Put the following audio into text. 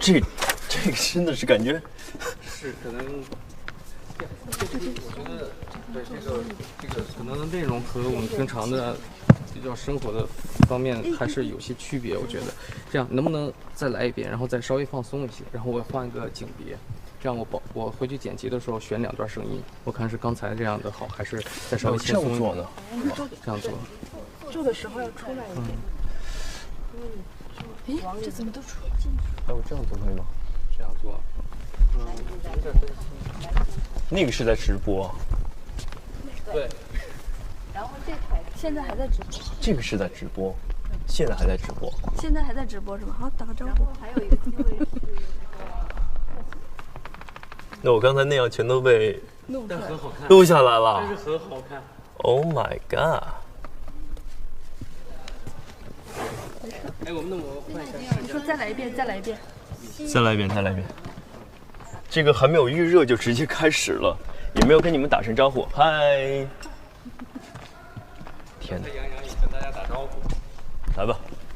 这个真的是感觉是可能，我觉得对这个可能内容和我们平常的比较生活的方面还是有些区别。我觉得这样能不能再来一遍，然后再稍微放松一些，然后我换个景别，这样我回去剪辑的时候选2段声音，我看是刚才这样的好，还是再稍微轻松一点呢？这样做。 做的时候要出来一点。哎，这怎么都出不进去？ 哎，我这样做可以吗？ 这样做， 那个是在直播， 对。 然后这台现在还在直播。 这个是在直播，现在还在直播。 现在还在直播是吗？好，打个招呼。还有一个机会是， 那我刚才那样全都被但很好看， 录下来了。 但是很好看。 Oh my god！ 哎，我们换一下视角。 你说再来一遍，再来一遍。 再来一遍，再来一遍。这个还没有预热就直接开始了，也没有跟你们打声招呼。嗨！天哪！ 杨洋也跟大家打招呼。 来吧。